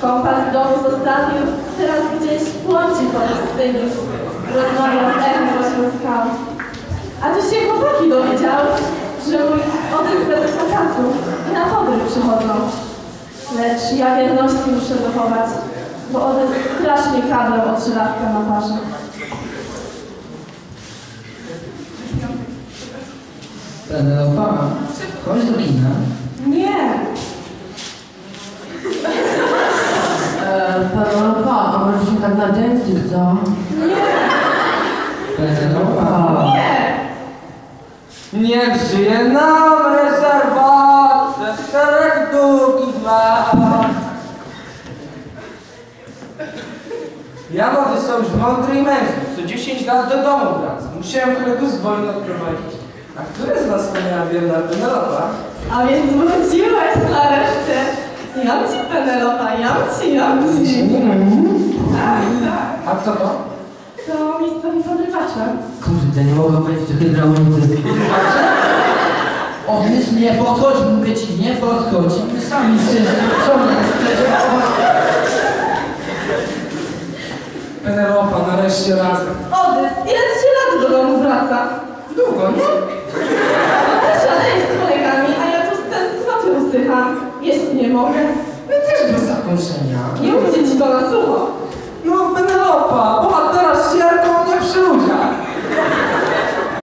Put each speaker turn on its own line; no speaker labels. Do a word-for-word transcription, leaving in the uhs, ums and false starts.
Kompas w domu zostawił, teraz gdzieś błądzi po pustyni. Rozmawia z echem pośród skał. A tu się chłopaki dowiedziały, że mój odejść bez pokazu i na podróż przychodzą. Lecz ja wierności muszę dochować, bo odejść strasznie kablem od żelazka na parze.
Penelopa, chodź do kina.
Nie!
Eee, Penelopa, a może się tak na dancing, co?
Nie!
Penelopa.
Nie!
Niech żyje nam rezerwat przez szereg długich lat. Ja młody są już mądry i mężny. Co dziesięć lat do domu wracam. Musiałem kolegów z wojny odprowadzić. A który z was to miała wierna Penelopa?
A więc wróciłeś nareszcie. Jam ci, Penelopa, jam ci, jam ci. Tak, tak.
A co to?
To miejscowi podrywacze.
Kurde, nie mogę powiedzieć o hydraulicy. Odys, nie podchodź, mówię ci, nie podchodź. My sami wszyscy, co my
Penelopa, nareszcie razem.
Odys, ile ci się lat do domu wraca?
Długo, nie?
No też szaleję z kolegami, a ja tu z tęsknoty usycham. Jeść nie mogę.
My też bez zakończenia.
Nie mówcie ci to na sucho.
No Penelopa, bohatera z sierką nie przy ludziach.